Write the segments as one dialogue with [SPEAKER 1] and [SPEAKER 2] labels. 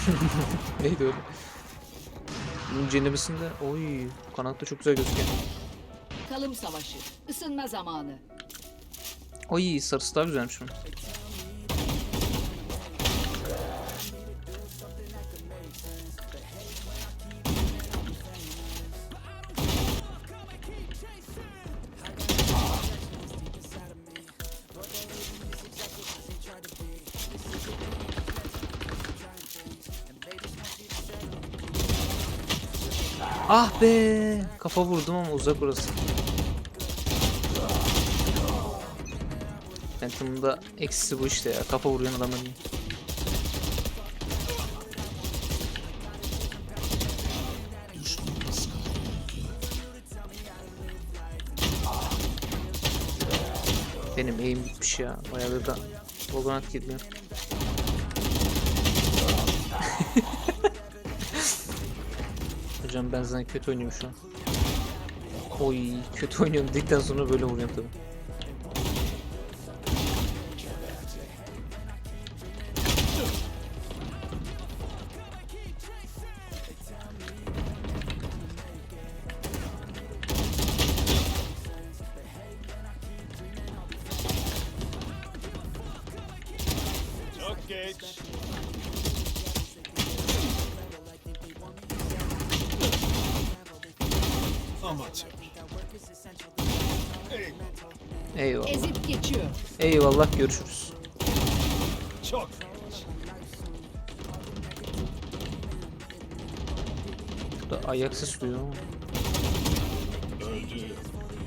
[SPEAKER 1] Neydi öyle? Bunun cenabesinde oy kanatta çok güzel gözüküyor.
[SPEAKER 2] Kalım savaşı. Isınma zamanı.
[SPEAKER 1] Oy sarısı daha güzelmiş bunun. Ah be! Kafa vurdum ama uzak orası. Phantom'ın da eksisi bu işte ya. Kafa vuruyan adamın iyi. Benim aim bitmiş ya. Bayağıdır da Valorant girmiyor. Hocam ben zaten kötü oynuyorum şu an. Oy kötü oynuyorum dedikten sonra böyle vuruyorum tabii.
[SPEAKER 3] Çok geç. Amatör.
[SPEAKER 1] Eyvallah.
[SPEAKER 2] Ezip geçiyor.
[SPEAKER 1] Eyvallah görüşürüz.
[SPEAKER 3] Çok geç.
[SPEAKER 1] Bu da ayak sesi duyuyor ama.
[SPEAKER 3] Öldü.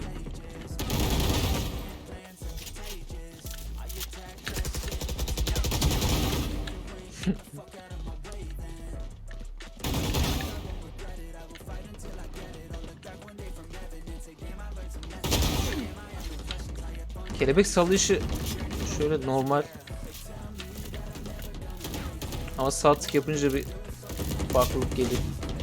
[SPEAKER 1] Kelebek sallayışı şöyle normal. Ama sağ tık yapınca bir farklılık geliyor.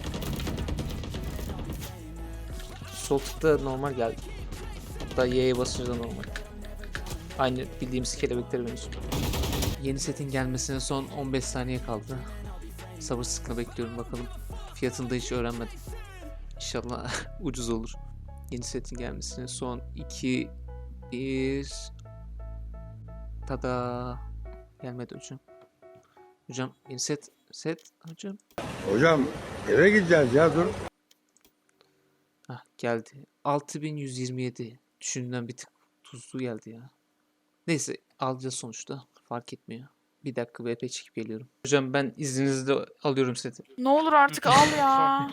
[SPEAKER 1] Sol tıkta normal geldi. Hatta Y'ye basınca da normal. Aynı bildiğimiz kelebeklere benziyor. Yeni setin gelmesine son 15 saniye kaldı. Sabırsızlıkla bekliyorum bakalım. Fiyatını da hiç öğrenmedim. İnşallah ucuz olur. Yeni setin gelmesine son 2 1 Tada. Gelmedi hocam. Hocam yeni set hocam.
[SPEAKER 4] Hocam eve gideceğiz ya dur.
[SPEAKER 1] Hah geldi. 6127. Düşündüğümden bir tık tuzlu geldi ya. Neyse alacağız sonuçta. Fark etmiyor. Bir dakika VP çekip geliyorum. Hocam ben izninizle alıyorum seti.
[SPEAKER 5] Ne olur artık al ya.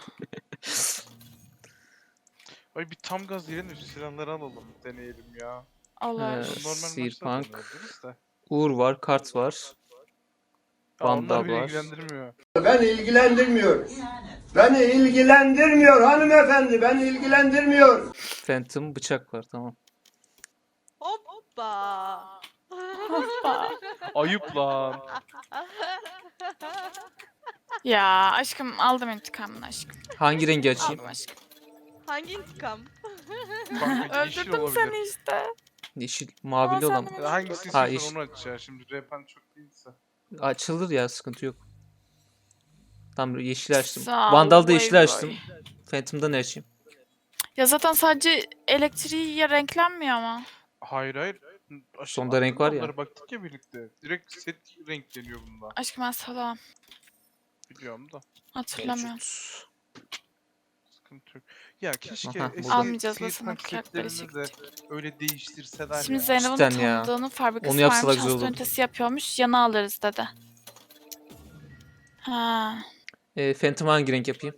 [SPEAKER 6] Ay bir tam gaz yerine şu silahları alalım, deneyelim ya.
[SPEAKER 5] Olur.
[SPEAKER 6] Normal maçta
[SPEAKER 1] Sirpunk.
[SPEAKER 6] deneyebiliriz de.
[SPEAKER 1] Uğur var, kart var.
[SPEAKER 6] Ya onlar
[SPEAKER 1] Vandal
[SPEAKER 6] bile
[SPEAKER 1] var.
[SPEAKER 6] ilgilendirmiyor.
[SPEAKER 4] Beni ilgilendirmiyor. Beni ilgilendirmiyor hanımefendi. Beni ilgilendirmiyor.
[SPEAKER 1] Phantom bıçak var tamam.
[SPEAKER 7] Hoppa.
[SPEAKER 5] Hoppa.
[SPEAKER 6] Ayıp lan.
[SPEAKER 5] Ya aşkım aldım intikamını aşkım.
[SPEAKER 1] Hangi rengi açayım?
[SPEAKER 5] Aldım aşkım.
[SPEAKER 7] Hangi intikam?
[SPEAKER 6] Kanka yeşil
[SPEAKER 5] Öldürdüm
[SPEAKER 6] olabilir.
[SPEAKER 5] seni işte.
[SPEAKER 1] Yeşil, mavili
[SPEAKER 5] Aa,
[SPEAKER 1] olan.
[SPEAKER 5] sen de-
[SPEAKER 6] Hangisi
[SPEAKER 1] Ha,
[SPEAKER 6] istiyorsan
[SPEAKER 1] yeşil.
[SPEAKER 6] onu aç ya. Şimdi repen çok değilse.
[SPEAKER 1] Açılır ya sıkıntı yok. Tamam yeşil açtım.
[SPEAKER 5] Sağ ol,
[SPEAKER 1] Vandal'da yeşil
[SPEAKER 5] vay
[SPEAKER 1] açtım.
[SPEAKER 5] vay.
[SPEAKER 1] Phantom'da ne açayım?
[SPEAKER 5] Ya zaten sadece elektriği ya renklenmiyor ama.
[SPEAKER 6] Hayır hayır.
[SPEAKER 1] Sonda renk var ya.
[SPEAKER 6] Onlara baktık ya birlikte. Direkt set renkleniyor bunda.
[SPEAKER 5] Aşkım ben salam.
[SPEAKER 6] Biliyorum da.
[SPEAKER 5] Hatırlamıyorum.
[SPEAKER 1] Mevcut.
[SPEAKER 6] Sıkıntı yok. Ya keşke
[SPEAKER 1] Aha,
[SPEAKER 6] eski
[SPEAKER 1] burada.
[SPEAKER 5] Almayacağız,
[SPEAKER 6] Seed
[SPEAKER 5] basına
[SPEAKER 6] Punk
[SPEAKER 5] kıyakları
[SPEAKER 6] setlerini de öyle değiştirseler
[SPEAKER 5] Şimdi
[SPEAKER 6] ya.
[SPEAKER 5] Zeynep'in
[SPEAKER 1] Cidden ya.
[SPEAKER 5] tanıdığının fabrikası
[SPEAKER 1] Onu yapsalar
[SPEAKER 5] varmış.
[SPEAKER 1] güzel
[SPEAKER 5] Hasta
[SPEAKER 1] olurdu.
[SPEAKER 5] ünitesi yapıyormuş. Yana alırız dedi. Ha.
[SPEAKER 1] Phantom hangi renk yapayım?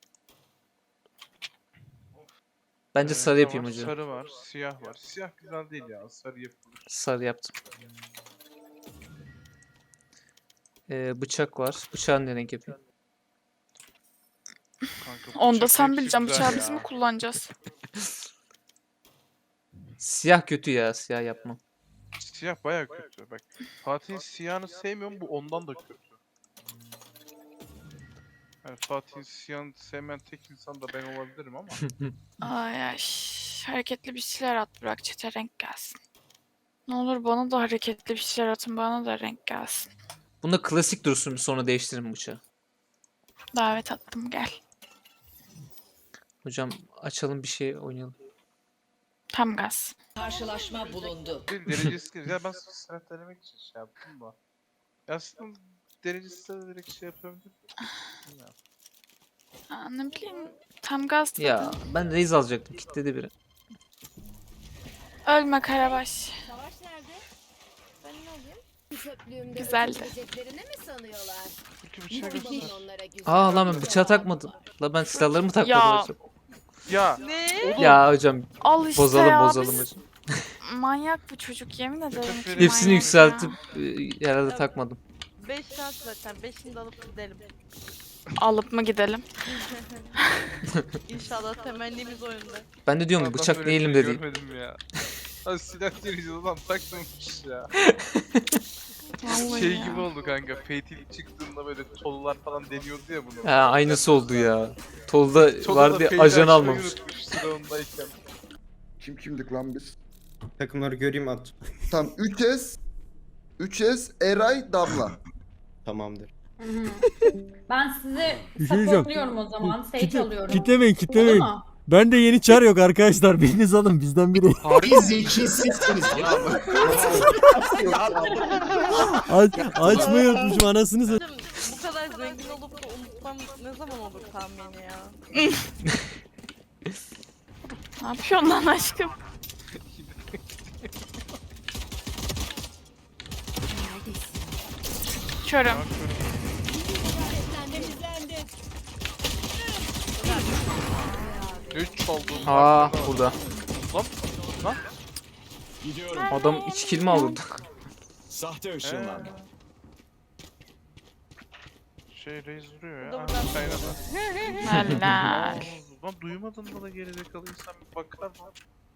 [SPEAKER 1] Bence sarı
[SPEAKER 6] Ne
[SPEAKER 1] yapayım
[SPEAKER 6] var?
[SPEAKER 1] hocam.
[SPEAKER 6] Sarı var, siyah var. Siyah güzel değil ya. Sarı yapılır.
[SPEAKER 1] Sarı yaptım. Bıçak var. Bıçağın ne renk yapayım?
[SPEAKER 6] Kanka,
[SPEAKER 5] Onu da
[SPEAKER 6] bıçak
[SPEAKER 5] sen
[SPEAKER 6] hepsi
[SPEAKER 5] bileceksin.
[SPEAKER 6] güzel
[SPEAKER 5] Bıçağı biz
[SPEAKER 6] ya.
[SPEAKER 5] mi kullanacağız?
[SPEAKER 1] Siyah kötü ya. Siyah yapmam.
[SPEAKER 6] Siyah baya kötü. Bak Fatih'in siyahını sevmiyorum, bu ondan da kötü. Yani Fatih'in siyahını sevmeyen tek insan da ben olabilirim ama.
[SPEAKER 5] Ay ay. Hareketli bir şeyler at bırak çete renk gelsin. Ne olur bana da hareketli bir şeyler atın bana da renk gelsin.
[SPEAKER 1] Bunda klasik dursun sonra değiştiririm bıçağı.
[SPEAKER 5] Davet attım gel.
[SPEAKER 1] Hocam açalım bir şey oynayalım.
[SPEAKER 5] Tam gaz.
[SPEAKER 2] Karşılaşma bulundu.
[SPEAKER 6] Bir derecesi ya ben silah denemek için şey yaptım da. Ya aslında derecesi de direkt şey yapabilirim. Bilmiyorum.
[SPEAKER 5] Aa, ne bileyim tam gaz dedim.
[SPEAKER 1] Ya ben Raze alacaktım. Kitledi biri.
[SPEAKER 5] Ölme Karabaş.
[SPEAKER 7] Savaş nerede? Ben ne olayım? Çöplüğümde
[SPEAKER 5] Güzeldi.
[SPEAKER 7] öldüreceklerini mi sanıyorlar?
[SPEAKER 6] Çünkü bir şey
[SPEAKER 7] Bakın
[SPEAKER 6] göster.
[SPEAKER 7] onlara güzel.
[SPEAKER 1] Aa lan ben bıçağı takmadım. La ben silahlarımı takmadım
[SPEAKER 5] Ya.
[SPEAKER 1] hocam.
[SPEAKER 6] Ya
[SPEAKER 1] Ya hocam
[SPEAKER 5] Al işte
[SPEAKER 1] bozalım
[SPEAKER 5] ya.
[SPEAKER 1] bozalım
[SPEAKER 5] biz-
[SPEAKER 1] hocam.
[SPEAKER 5] Manyak bu çocuk yemin ederim. ki
[SPEAKER 6] Hepsini
[SPEAKER 1] Hepsini
[SPEAKER 5] manyak
[SPEAKER 1] yükseltip
[SPEAKER 5] ya.
[SPEAKER 1] herhalde takmadım.
[SPEAKER 8] 5 saat zaten. 5'ini de alıp gidelim.
[SPEAKER 5] Alıp mı gidelim?
[SPEAKER 8] İnşallah temennimiz o yönde.
[SPEAKER 1] Ben de diyorum
[SPEAKER 6] adam
[SPEAKER 1] bıçak
[SPEAKER 6] böyle
[SPEAKER 1] değilim
[SPEAKER 6] bir şey
[SPEAKER 1] dedi.
[SPEAKER 6] Görmedim ya. Ha silah derici adam takmamış ya.
[SPEAKER 5] Vallahi
[SPEAKER 6] Şey
[SPEAKER 5] ya.
[SPEAKER 6] gibi oldu kanka. Fatal çıktığında böyle tollar falan deniyordu ya bunu.
[SPEAKER 1] Ha aynısı oldu ya. Tolda
[SPEAKER 6] Tolda
[SPEAKER 1] vardı
[SPEAKER 6] Fatal
[SPEAKER 1] ajan
[SPEAKER 6] açmayı
[SPEAKER 1] almamış.
[SPEAKER 6] unutmuş silahındayken.
[SPEAKER 9] Kim kimdik lan biz?
[SPEAKER 10] Takımları göreyim at.
[SPEAKER 9] Tam 3S, Eray, Damla.
[SPEAKER 10] Tamamdır.
[SPEAKER 11] Ben sizi
[SPEAKER 12] Bir şey diyeceğim.
[SPEAKER 11] supportluyorum o zaman. Sage alıyorum.
[SPEAKER 12] Kitlemeyin, kitlemeyin.
[SPEAKER 11] Olur mu?
[SPEAKER 12] Ben de yeni çar yok arkadaşlar. Biriniz alın bizden biri. Açmayı unutmuşum anasını satayım.
[SPEAKER 8] Bu kadar zengin olup da unutmam ne zaman olur tahmini ya?
[SPEAKER 5] Ne yapıyorsun lan aşkım? Körüm.
[SPEAKER 6] Üç oldum.
[SPEAKER 1] Aa burada.
[SPEAKER 6] Lan.
[SPEAKER 3] Gidiyorum.
[SPEAKER 1] Adam 2 kill mi aldı?
[SPEAKER 3] Sahte ışınlanma.
[SPEAKER 6] Şey Reis vuruyor
[SPEAKER 8] Bu
[SPEAKER 6] ya.
[SPEAKER 8] da buradan
[SPEAKER 6] Kaynadı.
[SPEAKER 5] Helal.
[SPEAKER 6] Lan duymadın mı da gerizekalı insan bir bakar mı?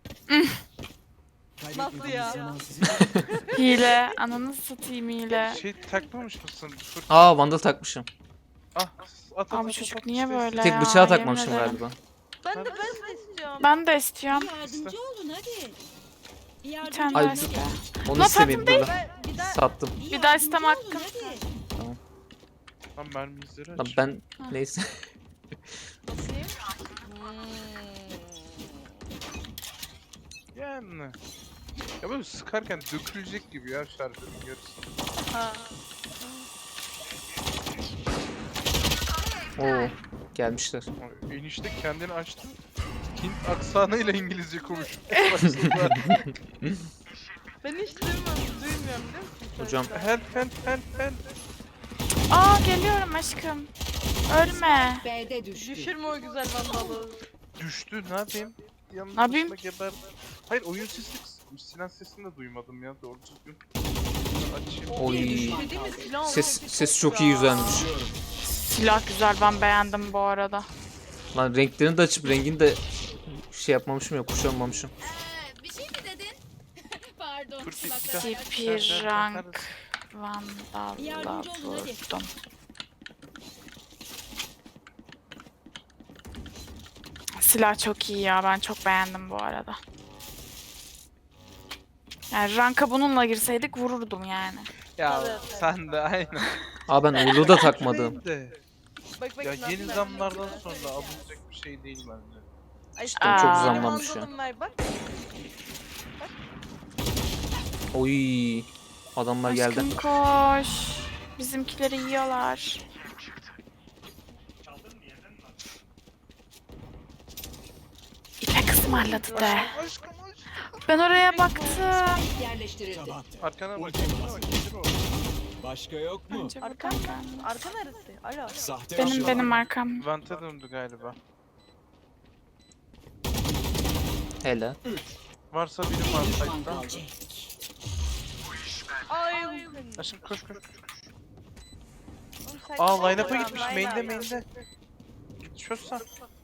[SPEAKER 8] Nasıl ya?
[SPEAKER 5] Hile. Ananı satayım hile.
[SPEAKER 6] Şey takmamış mısın? Fırt.
[SPEAKER 1] Aa vandal takmışım.
[SPEAKER 6] Ah at
[SPEAKER 5] Abi çocuk niye böyle
[SPEAKER 1] Tek
[SPEAKER 5] ya?
[SPEAKER 1] bıçağı
[SPEAKER 5] Yemin
[SPEAKER 1] takmamışım
[SPEAKER 5] ederim.
[SPEAKER 1] galiba.
[SPEAKER 8] Ben de istiyorum.
[SPEAKER 5] Ben de istiyorum.
[SPEAKER 2] Yardımcı olun hadi.
[SPEAKER 5] Bir tane
[SPEAKER 1] Ay,
[SPEAKER 5] daha
[SPEAKER 1] dur.
[SPEAKER 5] iste.
[SPEAKER 1] Onu
[SPEAKER 5] Lan
[SPEAKER 1] istemeyeyim
[SPEAKER 5] tatlım
[SPEAKER 1] böyle.
[SPEAKER 8] Bir daha
[SPEAKER 1] Sattım.
[SPEAKER 5] Bir daha istem hakkım.
[SPEAKER 6] Lan mermi izleri
[SPEAKER 1] Lan
[SPEAKER 6] aç.
[SPEAKER 1] ben neyse.
[SPEAKER 8] basayım.
[SPEAKER 6] Yani. Ya böyle sıkarken dökülecek gibi ya şarjörün yarısı.
[SPEAKER 8] Ha.
[SPEAKER 1] Oo gelmişler.
[SPEAKER 6] Ay, enişte kendini açtı. Hint aksanıyla İngilizce konuşuyor.
[SPEAKER 8] Ben hiç duymuyorum biliyor musun?
[SPEAKER 1] Hocam
[SPEAKER 6] Help.
[SPEAKER 5] Aa geliyorum aşkım. Ölme.
[SPEAKER 2] B'de düştü.
[SPEAKER 8] Düşürme o güzel vandalı.
[SPEAKER 6] Düştü ne yapayım? Yanlış
[SPEAKER 5] Ne yapayım?
[SPEAKER 6] geber. Hayır oyun sesi kısılmış. Sinan sesini de duymadım ya doğru düzgün. Açayım.
[SPEAKER 1] oy.
[SPEAKER 8] Dediğim mi silah
[SPEAKER 1] Ses çok iyi güzelmiş.
[SPEAKER 5] Silah güzel ben beğendim bu arada.
[SPEAKER 1] Lan renklerini de açıp rengini de şey yapmamışım ya kuşanmamışım.
[SPEAKER 7] Bir şey mi dedin? Pardon.
[SPEAKER 6] Dur, bir
[SPEAKER 7] Bak,
[SPEAKER 6] dakika.
[SPEAKER 5] Tipi rank vandalla
[SPEAKER 7] Yardımcı olun, hadi.
[SPEAKER 5] vurdum. Silah çok iyi ya ben çok beğendim bu arada. Yani ranka bununla girseydik vururdum yani.
[SPEAKER 6] Ya
[SPEAKER 8] Evet.
[SPEAKER 6] sen de aynen.
[SPEAKER 1] Aa ben uğurlu da takmadım.
[SPEAKER 6] De.
[SPEAKER 8] Bak
[SPEAKER 6] Ya
[SPEAKER 8] nasıl
[SPEAKER 6] yeni
[SPEAKER 8] ben-
[SPEAKER 6] zamlardan sonra alınacak bir şey değil bence.
[SPEAKER 8] Ay,
[SPEAKER 1] Cidden
[SPEAKER 5] çok
[SPEAKER 8] benim
[SPEAKER 1] zamlanmış ya.
[SPEAKER 8] vandalım var, bak.
[SPEAKER 1] Oy. Adamlar geldi.
[SPEAKER 5] Aşkım koş. Bizimkileri yiyorlar. İpek ısmarladı de.
[SPEAKER 6] Aşkım.
[SPEAKER 5] Ben oraya baktım.
[SPEAKER 2] Yerleştirildi.
[SPEAKER 3] Tamam.
[SPEAKER 6] Arkana bak.
[SPEAKER 3] Başka yok mu?
[SPEAKER 5] Bence
[SPEAKER 8] Arkan
[SPEAKER 5] buradan gelmez.
[SPEAKER 8] Arka neresi? Alo.
[SPEAKER 3] Sahte
[SPEAKER 5] Benim
[SPEAKER 3] ışınlanma.
[SPEAKER 5] arkam.
[SPEAKER 6] Vente döndü galiba.
[SPEAKER 1] Hele.
[SPEAKER 6] Varsa biri var site'da.
[SPEAKER 8] Ay.
[SPEAKER 6] Aşkım koş.
[SPEAKER 8] Oğlum sen
[SPEAKER 6] Aa
[SPEAKER 8] kimsin
[SPEAKER 6] line-up'a
[SPEAKER 8] ya?
[SPEAKER 6] gitmiş. Main'de. Git çözsen.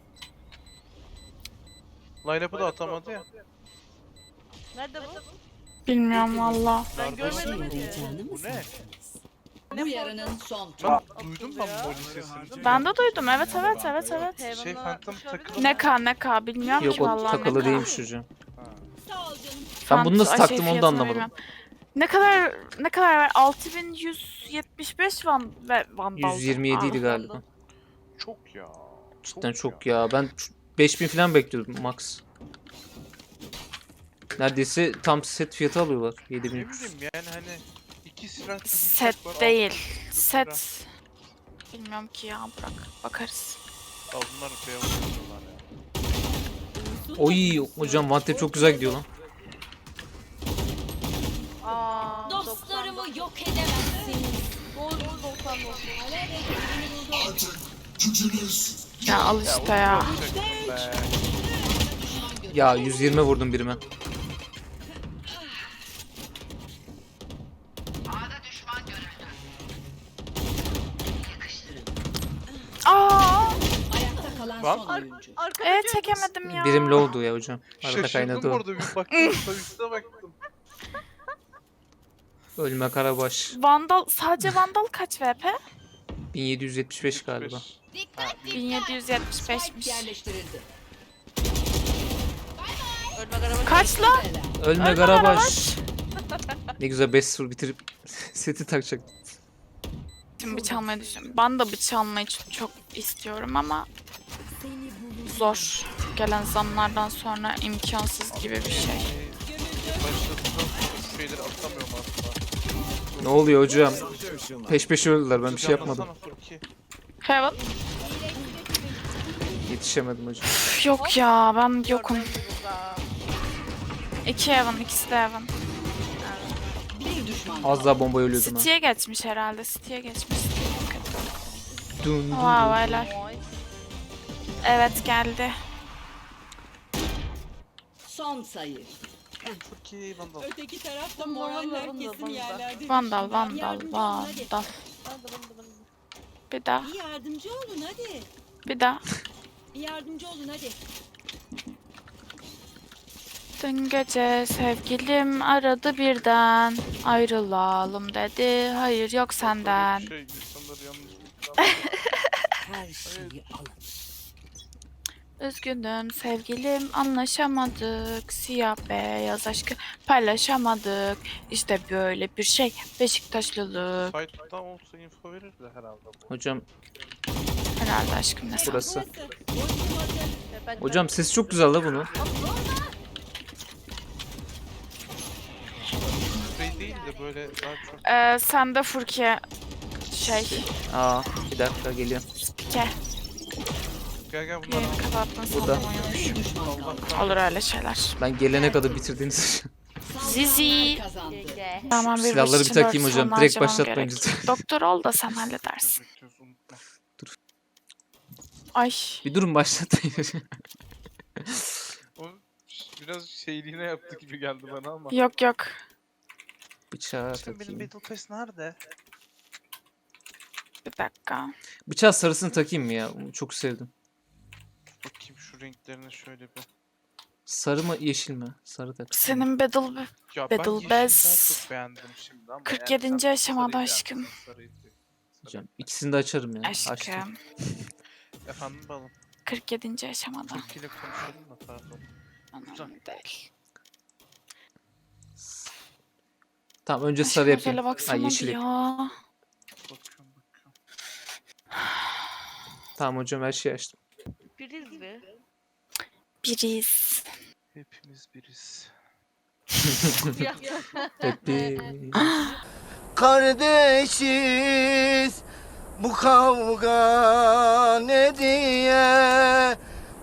[SPEAKER 6] Line-up'ı da atamadı ya.
[SPEAKER 8] Nerede bu?
[SPEAKER 5] Bilmiyorum valla.
[SPEAKER 8] Ben görmedim ki.
[SPEAKER 6] Bu ne?
[SPEAKER 2] Bu yarının son turu.
[SPEAKER 6] Ben duydum ben Molly sesini.
[SPEAKER 5] Ben de duydum. Evet.
[SPEAKER 6] Şey Phantom takılı.
[SPEAKER 5] Ne bilmiyorum
[SPEAKER 1] Yok
[SPEAKER 5] ki
[SPEAKER 1] o
[SPEAKER 5] vallahi.
[SPEAKER 1] takılı
[SPEAKER 5] ne
[SPEAKER 1] değilmiş hocam.
[SPEAKER 7] Sağ ol canım.
[SPEAKER 1] Ben bunu nasıl
[SPEAKER 5] Ay,
[SPEAKER 1] taktım onu da
[SPEAKER 5] fiyatını
[SPEAKER 1] anlamadım.
[SPEAKER 5] bilmiyorum. Ne kadar var? 6175 vandal.
[SPEAKER 1] 127 idi galiba.
[SPEAKER 6] Çok ya.
[SPEAKER 1] Cidden çok ya. Ben 5000 falan bekliyordum max. Neredeyse tam set fiyatı alıyorlar.
[SPEAKER 6] Ne
[SPEAKER 1] 7300.
[SPEAKER 6] bileyim yani hani 2 silah gibi
[SPEAKER 5] Set
[SPEAKER 6] bıçak var,
[SPEAKER 5] değil.
[SPEAKER 6] 600 lira.
[SPEAKER 5] Set. Bilmiyorum ki ya, bırak. Bakarız.
[SPEAKER 6] Ya bunlar beyaz oluyorlar ya.
[SPEAKER 1] Oy hocam Vantep çok güzel gidiyor lan.
[SPEAKER 8] Aa,
[SPEAKER 7] Dostlarımı yok edemezsiniz.
[SPEAKER 8] Doğru 90
[SPEAKER 5] Ya al işte ya.
[SPEAKER 6] Çaktım be.
[SPEAKER 1] Ya 120 vurdum birime.
[SPEAKER 5] Aa!
[SPEAKER 2] Ayakta kalan
[SPEAKER 6] Lan.
[SPEAKER 2] son oyuncu.
[SPEAKER 5] Çekemedim ya.
[SPEAKER 1] Birim low'du ya hocam. Arada
[SPEAKER 6] Şaşırdım
[SPEAKER 1] kaynadı o.
[SPEAKER 6] orada bir baktım. Üstüne baktım.
[SPEAKER 1] Ölme Karabaş.
[SPEAKER 5] Vandal, sadece Vandal kaç VP?
[SPEAKER 1] 1775 galiba.
[SPEAKER 5] 1775'miş.
[SPEAKER 2] Spike yerleştirildi.
[SPEAKER 5] Kaç la?
[SPEAKER 1] Ölme Karabaş. Ne güzel 5-0 bitirip seti takacak.
[SPEAKER 5] Şimdi bıçak almayı düşünüyorum. Ben de bıçak almayı çok istiyorum ama zor. Gelen zamlardan sonra imkansız gibi bir şey.
[SPEAKER 6] Başladıktan sonra şu şeyleri atamıyorum aslında.
[SPEAKER 1] Ne oluyor hocam?
[SPEAKER 3] Sahte ışınlanma.
[SPEAKER 1] Peş peşe öldüler, ben bir şey yapmadım.
[SPEAKER 6] Canlasana Furki.
[SPEAKER 5] Heaven?
[SPEAKER 1] Yetişemedim hocam.
[SPEAKER 5] Üf, yok ya, ben yokum. 2 Heaven, ikisi de Heaven.
[SPEAKER 2] Bir düşman.
[SPEAKER 1] Az daha bomba ölüyordum ha.
[SPEAKER 5] City'ye geçmiş herhalde. City'ye geçmiş.
[SPEAKER 1] Dun dun
[SPEAKER 5] Wow,
[SPEAKER 1] dun.
[SPEAKER 5] helal. Evet, geldi.
[SPEAKER 2] Son sayı.
[SPEAKER 6] Furki Vandal.
[SPEAKER 7] Öteki tarafta moraller kesin yerlerde.
[SPEAKER 5] Vandal, Vandal, Vandal. Bir daha,
[SPEAKER 7] Bir yardımcı olun hadi.
[SPEAKER 5] bir daha.
[SPEAKER 7] Bir yardımcı olun hadi.
[SPEAKER 5] Dün gece sevgilim aradı birden. Ayrılalım dedi. Hayır yok senden.
[SPEAKER 6] Şey insanları yanlış
[SPEAKER 2] Her şeyi alın.
[SPEAKER 5] Üzgünüm sevgilim, anlaşamadık. Siyah beyaz aşkı paylaşamadık. İşte böyle bir şey. Beşiktaşlılık.
[SPEAKER 6] Fight'tan olsa info verir de herhalde bu.
[SPEAKER 1] Hocam
[SPEAKER 5] Herhalde aşkım ne
[SPEAKER 1] burası.
[SPEAKER 8] Ben
[SPEAKER 1] Hocam sesi çok güzel la bunu.
[SPEAKER 6] Spray değil de böyle daha çok
[SPEAKER 5] Sen de Furkiye
[SPEAKER 1] Aa bir dakika geliyorum.
[SPEAKER 5] spike.
[SPEAKER 6] gel gel bunlar
[SPEAKER 5] Yayını kapattın
[SPEAKER 1] Burada.
[SPEAKER 5] sandım uyumuş.
[SPEAKER 6] Allah'tan
[SPEAKER 5] Olur öyle şeyler.
[SPEAKER 1] Ben gelene kadar bitirdiniz.
[SPEAKER 5] Zizi.
[SPEAKER 2] Kazandı.
[SPEAKER 5] Tamam, bir
[SPEAKER 1] Silahları bir
[SPEAKER 5] için
[SPEAKER 1] takayım
[SPEAKER 5] dört
[SPEAKER 1] hocam.
[SPEAKER 5] sonra
[SPEAKER 1] Direkt
[SPEAKER 5] harcamam
[SPEAKER 1] başlatmayın
[SPEAKER 5] gerek.
[SPEAKER 1] lütfen.
[SPEAKER 5] Doktor ol da sen halledersin.
[SPEAKER 6] gözüküyoruz unutma.
[SPEAKER 5] Ay.
[SPEAKER 1] Bir durun başlatmayın.
[SPEAKER 6] O biraz şeyliğine yaptı gibi geldi bana ama.
[SPEAKER 5] Yok yok.
[SPEAKER 1] Bıçağı
[SPEAKER 6] İşte benim
[SPEAKER 1] takayım.
[SPEAKER 6] Battle Pass nerede?
[SPEAKER 5] Bir dakika.
[SPEAKER 1] Bıçağı sarısını takayım mı ya? Onu çok sevdim.
[SPEAKER 6] Bakayım şu renklerine şöyle bir.
[SPEAKER 1] Sarı mı yeşil mi? Sarı tak.
[SPEAKER 5] Senin Battle
[SPEAKER 6] Ya
[SPEAKER 5] Battle
[SPEAKER 6] ben yeşili
[SPEAKER 5] Pass
[SPEAKER 6] daha çok beğendim şimdi ama
[SPEAKER 5] 47.
[SPEAKER 6] eğer sen
[SPEAKER 5] aşamada
[SPEAKER 6] sarıyı
[SPEAKER 5] aşkım.
[SPEAKER 6] beğendiysen sarıyı sev.
[SPEAKER 1] Hocam ikisini de açarım ya. Açtım.
[SPEAKER 5] Aşkım.
[SPEAKER 6] Efendim balım.
[SPEAKER 5] 47. aşamada.
[SPEAKER 6] Furki ile konuşalım da pardon.
[SPEAKER 5] Önemli değil.
[SPEAKER 1] Tamam önce
[SPEAKER 5] Aşkım
[SPEAKER 1] sarı yapayım.
[SPEAKER 5] özele
[SPEAKER 1] Ha
[SPEAKER 5] baksana
[SPEAKER 1] yeşil
[SPEAKER 5] bir
[SPEAKER 1] yapayım.
[SPEAKER 5] ya.
[SPEAKER 6] Bakıyorum bakıyorum.
[SPEAKER 1] Tamam hocam her şeyi açtım.
[SPEAKER 8] biriz mi?
[SPEAKER 5] Biriz.
[SPEAKER 6] Hepimiz biriz.
[SPEAKER 1] Happy.
[SPEAKER 4] Kardeşiz bu kavga ne diye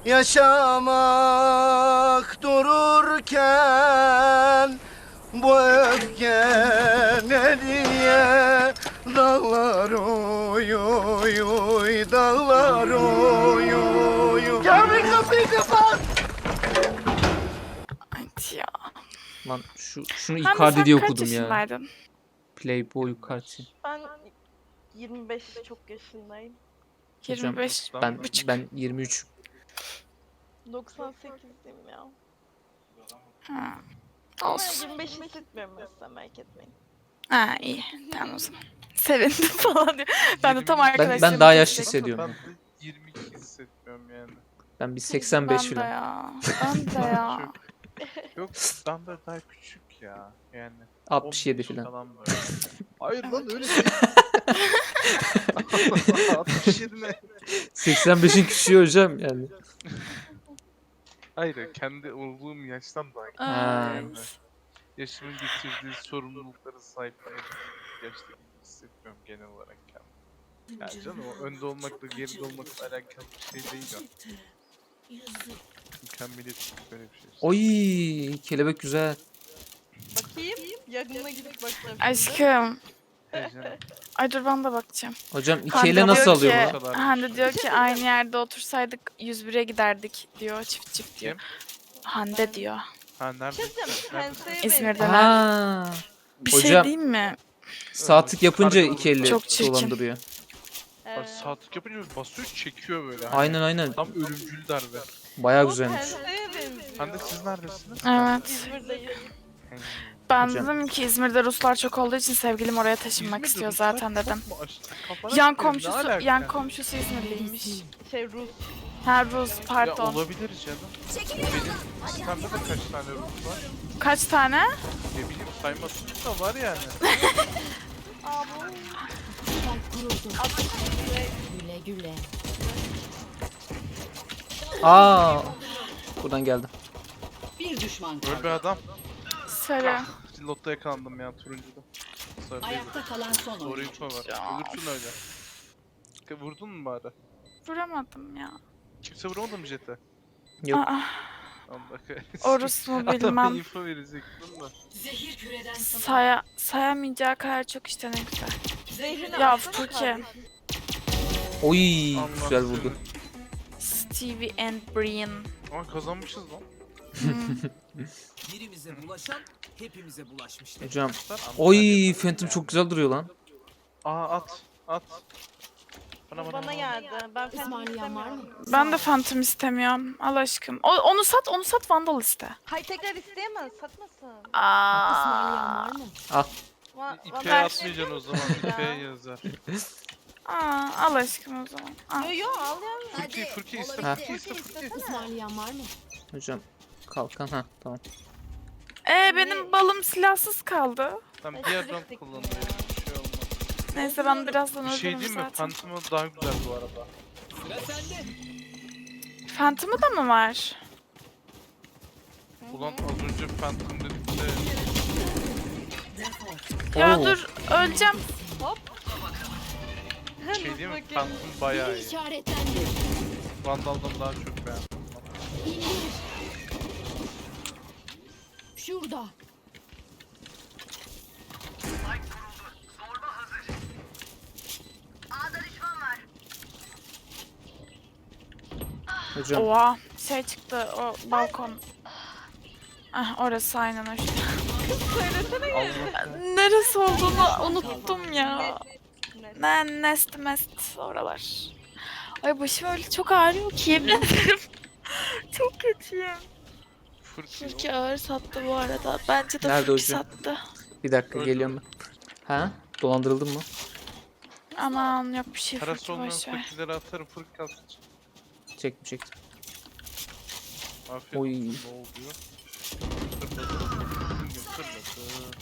[SPEAKER 4] yaşamak dururken bu öfke ne diye dağlar oy oy oy dağlar oy oy oy. Kamil kapıyı kapat.
[SPEAKER 5] Hadi ya.
[SPEAKER 1] Lan şunu
[SPEAKER 5] Hamdi,
[SPEAKER 1] Icardi
[SPEAKER 5] sen
[SPEAKER 1] diye
[SPEAKER 5] kaç
[SPEAKER 1] okudum ya.
[SPEAKER 5] yaşındaydın?
[SPEAKER 1] Playboy Icardi.
[SPEAKER 8] Ben 25 çok yaşındayım.
[SPEAKER 1] Hocam,
[SPEAKER 5] 25.
[SPEAKER 1] Ben 23.
[SPEAKER 8] 98'liyim ya.
[SPEAKER 5] Ha.
[SPEAKER 8] Ama
[SPEAKER 5] Olsun.
[SPEAKER 8] 25 hissetmiyorum mesela, merak etmeyin.
[SPEAKER 5] Ha iyi. Tamam o zaman. Sevindim falan diyor. Ben de tam
[SPEAKER 6] Ben
[SPEAKER 5] arkadaşlarım.
[SPEAKER 1] Ben daha yaşlı hissediyorum.
[SPEAKER 6] Ben de 22 hissetmiyorum yani.
[SPEAKER 1] Ben bir 85
[SPEAKER 5] Ben de
[SPEAKER 1] falan.
[SPEAKER 5] ya. Ben de ya.
[SPEAKER 6] Yok ben de daha küçük ya yani.
[SPEAKER 1] 67
[SPEAKER 6] 15
[SPEAKER 1] falan.
[SPEAKER 6] böyle. Hayır lan öyle değil. 67 ne?
[SPEAKER 1] 85'in küçüğü hocam yani.
[SPEAKER 6] Hayır, kendi olduğum yaştan da aynı.
[SPEAKER 1] Ha.
[SPEAKER 6] Yani yaşımın getirdiği sorumlulukları sahiplenip yaşta gibi hissetmiyorum genel olarak kendimi. Yani canım o önde olmakla geride olmakla alakalı bir şey değil o. Mükemmeliyet böyle bir şey.
[SPEAKER 1] Oy kelebek güzel.
[SPEAKER 8] Bakayım. Yakınına gidip bakacağım.
[SPEAKER 5] Aşkım.
[SPEAKER 6] Heyecanım.
[SPEAKER 5] Ay dur ben de bakacağım.
[SPEAKER 1] Hocam iki
[SPEAKER 5] Hande
[SPEAKER 1] ele nasıl
[SPEAKER 5] diyor
[SPEAKER 1] alıyor
[SPEAKER 5] ki-
[SPEAKER 1] bunu?
[SPEAKER 5] Hande diyor ki aynı yerde otursaydık 101'e giderdik diyor çift çift diyor. Hande diyor.
[SPEAKER 6] Ha nerede?
[SPEAKER 8] Şey diyeceğim. Penseye
[SPEAKER 5] İzmir'de.
[SPEAKER 1] Ha.
[SPEAKER 5] Bir şey
[SPEAKER 1] Hocam-
[SPEAKER 5] diyeyim mi?
[SPEAKER 1] Sağ tık yapınca
[SPEAKER 6] Farklı
[SPEAKER 1] iki elle
[SPEAKER 5] Çok çirkin.
[SPEAKER 1] dolandırıyor.
[SPEAKER 6] Bak saatlik yapınca basıyor çekiyor böyle. Hani
[SPEAKER 1] Aynen aynen.
[SPEAKER 6] tam ölümcül darbe.
[SPEAKER 1] Bayağı güzelmiş.
[SPEAKER 8] Penseye benziyor.
[SPEAKER 6] Hande siz neredesiniz?
[SPEAKER 5] Evet.
[SPEAKER 8] İzmir'deyiz.
[SPEAKER 5] Ben
[SPEAKER 1] Hocam.
[SPEAKER 5] dedim ki İzmir'de Ruslar çok olduğu için sevgilim oraya taşınmak
[SPEAKER 6] İzmir'de
[SPEAKER 5] istiyor
[SPEAKER 6] Ruslar
[SPEAKER 5] zaten
[SPEAKER 6] çok
[SPEAKER 5] dedim.
[SPEAKER 6] mu aşırı? Kafana
[SPEAKER 5] Yan
[SPEAKER 6] sikerim, ne
[SPEAKER 5] komşusu
[SPEAKER 6] alaka?
[SPEAKER 5] yan komşusu İzmirliymiş.
[SPEAKER 8] Rus.
[SPEAKER 5] Ha Rus
[SPEAKER 6] Ya
[SPEAKER 5] pardon.
[SPEAKER 6] olabilir canım. Benim sistemde de kaç tane Rus var?
[SPEAKER 5] Kaç tane?
[SPEAKER 6] Ne bileyim saymasın da var yani.
[SPEAKER 2] Güle güle.
[SPEAKER 1] Aa. Buradan geldi.
[SPEAKER 2] Bir düşman
[SPEAKER 6] Böyle bir
[SPEAKER 2] kaldı.
[SPEAKER 6] adam.
[SPEAKER 5] Söyle.
[SPEAKER 6] Lotta yakalandım ya turuncuda. Sarı değil.
[SPEAKER 2] Ayakta kalan son
[SPEAKER 6] Doğru
[SPEAKER 2] oyuncu.
[SPEAKER 6] info var. Ölürsün öyle. Vurdun mu bari?
[SPEAKER 5] Vuramadım ya.
[SPEAKER 6] Kimse vuramadı mı jete?
[SPEAKER 1] Yok.
[SPEAKER 5] Aa,
[SPEAKER 6] Allah kahretsin.
[SPEAKER 5] orus mu
[SPEAKER 6] Adama
[SPEAKER 5] bilmem.
[SPEAKER 6] info verecektin da.
[SPEAKER 2] Zehir küreden
[SPEAKER 5] Sayamayacağı kadar çok işte ne güzel.
[SPEAKER 8] Zehrini
[SPEAKER 5] Ya
[SPEAKER 8] alsana
[SPEAKER 5] Furki.
[SPEAKER 8] kardeşim.
[SPEAKER 1] Oy
[SPEAKER 6] Allah
[SPEAKER 1] güzel vurdu.
[SPEAKER 5] Stevie and Brian.
[SPEAKER 6] Ama kazanmışız lan.
[SPEAKER 3] Birimize bulaşan hepimize bulaşmıştır.
[SPEAKER 1] Hocam.
[SPEAKER 6] Antalya
[SPEAKER 1] Oy
[SPEAKER 6] yaparız
[SPEAKER 1] Phantom
[SPEAKER 6] yani.
[SPEAKER 1] çok güzel duruyor lan.
[SPEAKER 6] Aa at. At.
[SPEAKER 8] Bana geldi. Ben Phantom
[SPEAKER 2] İsmail var mı?
[SPEAKER 8] istemiyorum.
[SPEAKER 5] Ben de Phantom istemiyorum. Al aşkım. Onu sat Vandal iste.
[SPEAKER 8] Hay tekrar isteyemez. Satmasın.
[SPEAKER 5] Aa.
[SPEAKER 2] Var mı?
[SPEAKER 6] İpe atmayacaksın o zaman. İpe yazar.
[SPEAKER 5] Aa, al aşkım o zaman. Al.
[SPEAKER 8] Yo yo al ya.
[SPEAKER 6] Furki iste.
[SPEAKER 1] Ha.
[SPEAKER 6] Furki iste. Furki iste.
[SPEAKER 2] İsmail var mı?
[SPEAKER 1] Hocam kalkan ha tamam.
[SPEAKER 5] Benim balım silahsız kaldı.
[SPEAKER 6] Tamam diğer round kullanılıyor. Bir şey olmaz.
[SPEAKER 5] Neyse ben birazdan
[SPEAKER 6] Bir şey
[SPEAKER 5] öldürürüm
[SPEAKER 6] diyeyim mi?
[SPEAKER 5] zaten.
[SPEAKER 6] Phantom'u daha güzel bu arada.
[SPEAKER 3] Sıra sende.
[SPEAKER 5] Phantom'u da mı var?
[SPEAKER 6] Ulan az önce Phantom dedik de
[SPEAKER 5] Ya
[SPEAKER 1] Oo.
[SPEAKER 5] dur öleceğim.
[SPEAKER 6] bir şey diyeyim mi? Phantom bayağı iyi.
[SPEAKER 2] İşaretlendi.
[SPEAKER 6] Vandal'dan daha çok beğendim.
[SPEAKER 2] İndir. Şurada.
[SPEAKER 1] Hocam.
[SPEAKER 5] Oha şey çıktı o balkon. Ah orası aynen o işte.
[SPEAKER 6] Allah.
[SPEAKER 5] Neresi olduğunu unuttum ya. Nest mest oralar. Ay başım öyle çok ağrıyor ki yemin ederim. Çok kötüyüm.
[SPEAKER 6] Furki.
[SPEAKER 5] Furki ağır sattı bu arada. Bence de
[SPEAKER 1] Nerede
[SPEAKER 5] Furki
[SPEAKER 1] hocam?
[SPEAKER 5] sattı.
[SPEAKER 1] Bir dakika
[SPEAKER 6] Öldü.
[SPEAKER 1] geliyorum ben. Ha? Dolandırıldın mı?
[SPEAKER 5] Aman yok bir şey
[SPEAKER 6] Parası
[SPEAKER 5] Furki
[SPEAKER 6] olmayan
[SPEAKER 5] boşver.
[SPEAKER 6] fakirlere atarım. Furki kalsın.
[SPEAKER 1] Çektim.
[SPEAKER 6] Afiyet
[SPEAKER 1] Oy.
[SPEAKER 6] olsun. Ne oluyor? Fırladı.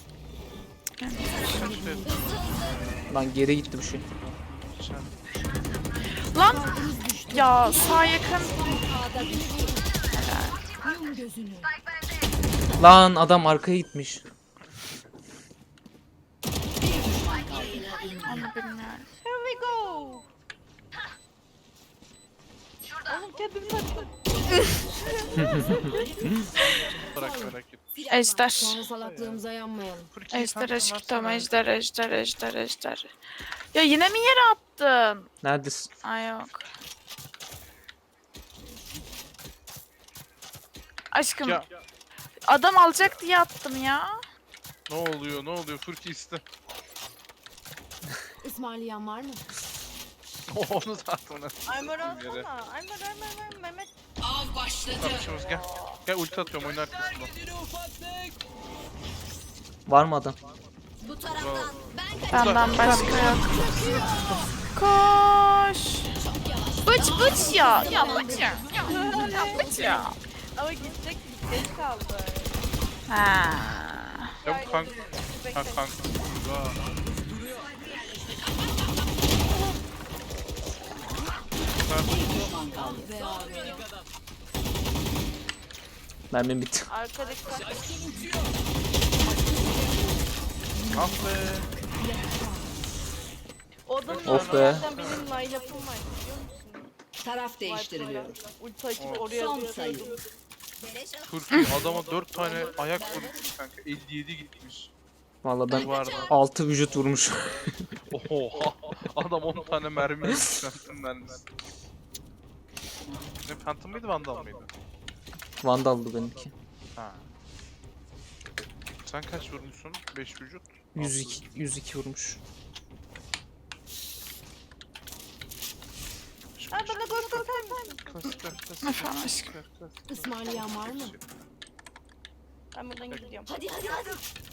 [SPEAKER 1] Lan geri gitti bir şey.
[SPEAKER 5] Lan ya sağ yakın.
[SPEAKER 2] Ağda düştü. Yum gözünü.
[SPEAKER 1] Lan adam arkaya gitmiş.
[SPEAKER 5] Onu bilmiyorum.
[SPEAKER 8] Here we go. Oğlum kendimi sattım.
[SPEAKER 6] Bırak merak etme.
[SPEAKER 5] Ejder.
[SPEAKER 2] Sonra salaklığımıza yanmayalım.
[SPEAKER 6] Furki'yi
[SPEAKER 5] Ejder
[SPEAKER 6] Phantom
[SPEAKER 5] aşkım
[SPEAKER 6] versene.
[SPEAKER 5] ejder. Ya yine mi yere attın?
[SPEAKER 1] Neredesin?
[SPEAKER 5] Ay yok. Aşkım
[SPEAKER 6] Ya
[SPEAKER 5] adam alacak diye attım ya.
[SPEAKER 6] ne oluyor? Ne oluyor? Furki iste.
[SPEAKER 2] İsmail var mı?
[SPEAKER 6] Onu zaten ona.
[SPEAKER 8] Aymar
[SPEAKER 6] Yere.
[SPEAKER 8] alsana. Aymar Mehmet.
[SPEAKER 2] Av başladı.
[SPEAKER 6] Tartışımız gel. Gel ulti atıyorum oyun arkasında.
[SPEAKER 1] Var mı adam?
[SPEAKER 2] Bu taraftan.
[SPEAKER 5] Benden başka yok. Koş. Bıç ya. Ya bıç ya. Ya bıç ya.
[SPEAKER 8] Ama gidecek geç kaldı.
[SPEAKER 5] Ha.
[SPEAKER 6] Ya bu kanka. Ha kanka. Aa.
[SPEAKER 2] Düşman kaldı. Ve abi.
[SPEAKER 1] Mermim bitti.
[SPEAKER 8] Arka dikkat.
[SPEAKER 6] Ah be.
[SPEAKER 8] O adamın
[SPEAKER 1] Of be.
[SPEAKER 8] zaten benim line-up'ım var biliyor musun?
[SPEAKER 2] Taraf değiştiriliyor.
[SPEAKER 8] Ulti açıp oraya
[SPEAKER 2] Son
[SPEAKER 8] atıyordum.
[SPEAKER 2] sayı.
[SPEAKER 6] Türkiye adama 4 tane ayak vurmuş kanka. 57 gitmiş.
[SPEAKER 1] Valla ben
[SPEAKER 6] Duvarda.
[SPEAKER 1] 6 vücut vurmuş.
[SPEAKER 6] Oha. Adam 10 tane mermi yemiş. Phantom mermisi. Ne Phantom mıydı Vandal mıydı?
[SPEAKER 1] Vandal'dı benimki.
[SPEAKER 6] Ha. Sen kaç vurmuşsun? 5 vücut.
[SPEAKER 1] 102 vurmuş.
[SPEAKER 8] Ha bana gol gol gol.
[SPEAKER 5] Efendim aşkım.
[SPEAKER 2] Ismarlayan var mı?
[SPEAKER 8] Ben buradan gidiyorum.
[SPEAKER 2] Hadi hadi hadi.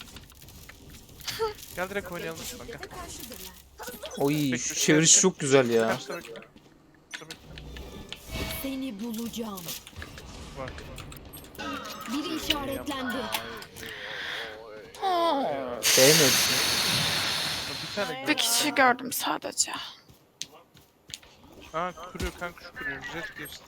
[SPEAKER 6] Gel direkt oynayalım kanka.
[SPEAKER 1] Oy şu çeviriş çok güzel ya.
[SPEAKER 6] Kaçta bekle.
[SPEAKER 2] Seni bulacağım.
[SPEAKER 6] Bak.
[SPEAKER 2] Biri işaretlendi.
[SPEAKER 1] Sevmedim.
[SPEAKER 6] Bir tane.
[SPEAKER 5] Bir kişi gördüm sadece.
[SPEAKER 6] Aa kuruyor kanka şu kuruyor. Jet geçti.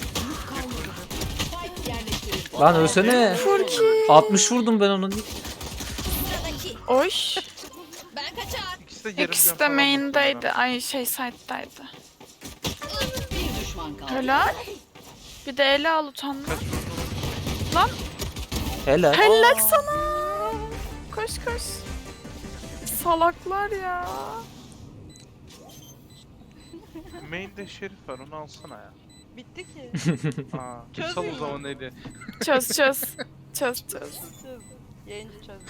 [SPEAKER 2] Spike yerleştirildi.
[SPEAKER 1] Lan ölsene.
[SPEAKER 5] Furki.
[SPEAKER 1] 60 vurdum ben onu.
[SPEAKER 5] Oy.
[SPEAKER 2] Ben kaçar.
[SPEAKER 6] İkisi de yarım
[SPEAKER 5] İkisi
[SPEAKER 6] can
[SPEAKER 5] de
[SPEAKER 6] falan
[SPEAKER 5] main'deydi.
[SPEAKER 6] muhtemelen.
[SPEAKER 5] Ay şey side'daydı.
[SPEAKER 2] Bir düşman kaldı.
[SPEAKER 5] Helal. Bir de ele al utanma.
[SPEAKER 6] Kaç vurdun?
[SPEAKER 5] Lan
[SPEAKER 1] Helal.
[SPEAKER 5] helal sana. Koş koş. Salaklar ya.
[SPEAKER 6] Main'de Şerif var onu alsana ya.
[SPEAKER 8] Bitti ki.
[SPEAKER 6] Aa,
[SPEAKER 8] Çözün
[SPEAKER 6] sal o
[SPEAKER 8] ya.
[SPEAKER 6] zaman eli.
[SPEAKER 5] Çöz çöz. Çöz çöz.
[SPEAKER 8] Çöz. Yayıncı çöz.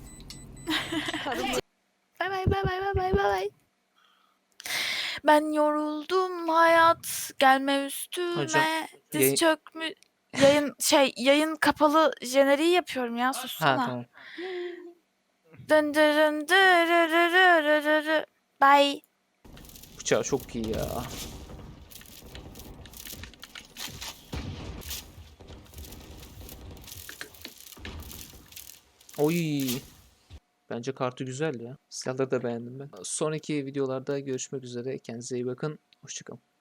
[SPEAKER 5] Bay bay bay bay bay bay bay. Ben yoruldum hayat gelme üstüme.
[SPEAKER 1] Hocam,
[SPEAKER 5] Diz
[SPEAKER 1] yayın-
[SPEAKER 5] çökmü yayın kapalı jeneriği yapıyorum ya
[SPEAKER 1] Ha
[SPEAKER 5] sussana.
[SPEAKER 1] tamam.
[SPEAKER 5] Dın dırın dırırırırırırı. Bye.
[SPEAKER 1] Bıçağı çok iyi ya. Oy. Bence kartı güzel ya. Silahları da beğendim ben. Sonraki videolarda görüşmek üzere. Kendinize iyi bakın. Hoşçakalın.